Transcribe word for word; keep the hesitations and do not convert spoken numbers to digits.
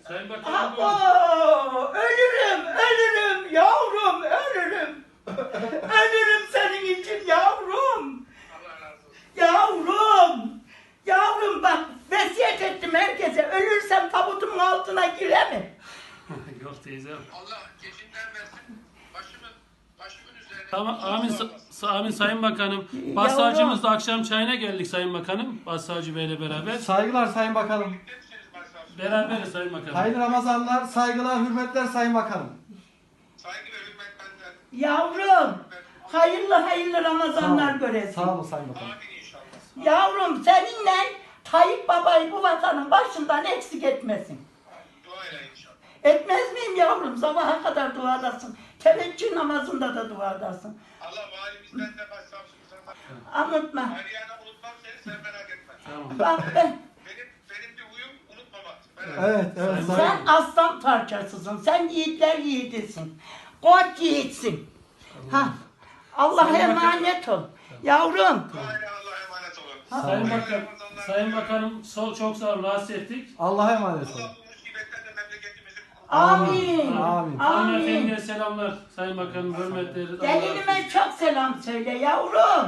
Sayın Bakanım. Abo! Ölürüm, ölürüm yavrum, ölürüm. Ölürüm senin için yavrum. Allah razı olsun. Yavrum. Yavrum bak vesiyet ettim herkese. Ölürsem tabutumun altına giremem. Yok teyze. Allah gecinden versin. Başımın, başımın üzerine. Tamam amin, Sağ sa- olasın. amin Sayın Bakanım. Başsavcımız da akşam çayına geldik Sayın Bakanım. Başsavcı Bey'le beraber. Saygılar Sayın Bakanım. Birlikte misiniz başsavcım? Beraberiz Sayın Bakanım. Hayırlı Ramazanlar, saygılar, hürmetler Sayın Bakanım. Saygı ve hürmet benden. Yavrum. Hayırlı hayırlı Ramazanlar Sağ olun. göresin. Sağ olun Sayın Bakanım. Amin inşallah. Yavrum seninle Tayyip Baba'yı bu vatanın başından eksik etmesin. Dua ile inşallah. Etmez miyim yavrum? Sabaha kadar duadasın. Teveccüh namazında da duadasın. Allah valimizden de başsavcımızdan da. Unutma. Meryem'i unutmam seni, sen merak etme. Tamam. Bak ben, Benim, benim bir huyum unutmamak. Merak Evet, evet Sayın Sayın sen aslan parçasısın. Sen yiğitler yiğidisin. Koç yiğitsin. Ha. Allah'a Sayın Bakan- emanet ol. Yavrum. Dua ile Allah'a emanet olun. Sayın Hayırlı Bakan, Ramazanlar Sayın diliyorum. Bakanım sol çok sağ olun rahatsız ettik. Allah'a emanet olun. Allah bu musibetten de memleketimizi kurtarsın. Amin. Amin. Amin. Hanımefendiye selamlar Sayın Bakanım hürmetleri. Gelinime çok selam söyle yavrum.